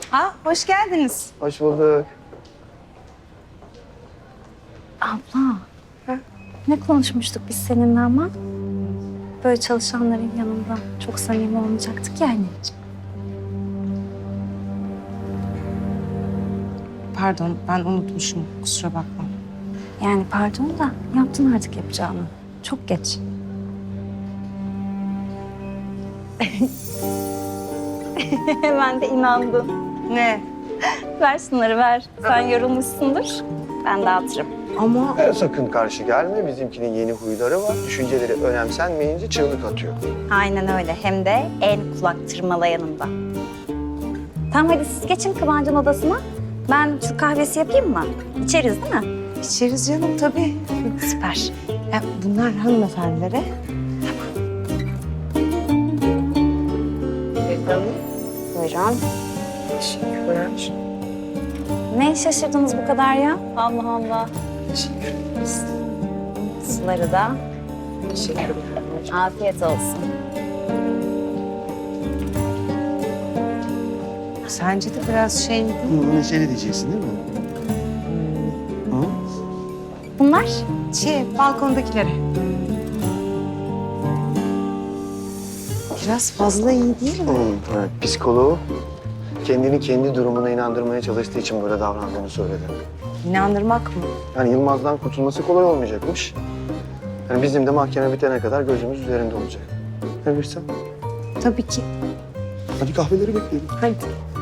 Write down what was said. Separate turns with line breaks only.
Hoş geldiniz.
Hoş bulduk.
Abla, ne konuşmuştuk biz seninle ama? Böyle çalışanların yanında çok samimi olmayacaktık yani.
Pardon, ben unutmuşum. Kusura bakma.
Yani pardon da yaptın artık yapacağını. Çok geç. Ben de inandım.
Ne?
Ver şunları ver. Sen yorulmuşsundur. Ben dağıtırım.
Ama
Sakın karşı gelme. Bizimkinin yeni huyları var. Düşünceleri önemsenmeyince çığlık atıyor.
Aynen öyle. Hem de en kulak tırmalayanında. Tamam hadi siz geçin Kıvancı'nın odasına. Ben Türk kahvesi yapayım mı? İçeriz değil mi?
içeriz canım tabii.
Süper.
Bunlar hanımefendilere.
Buyurun.
Teşekkürler.
Ne şaşırdınız bu kadar ya? Allah Allah.
Teşekkür ederiz.
Suları da.
Teşekkürler.
Afiyet olsun.
Sence de biraz şey mi?
Neşeli diyeceksin değil mi?
Bunlar?
Balkondakilere. Biraz fazla iyi değil mi?
Evet, psikoloğu kendini kendi durumuna inandırmaya çalıştığı için böyle davrandığını söyledi.
İnandırmak mı?
Yani Yılmaz'dan kurtulması kolay olmayacakmış. Yani bizim de mahkeme bitene kadar gözümüz üzerinde olacak. Ne bilirsen.
Tabii ki.
Hadi kahveleri bekleyelim.
Hadi.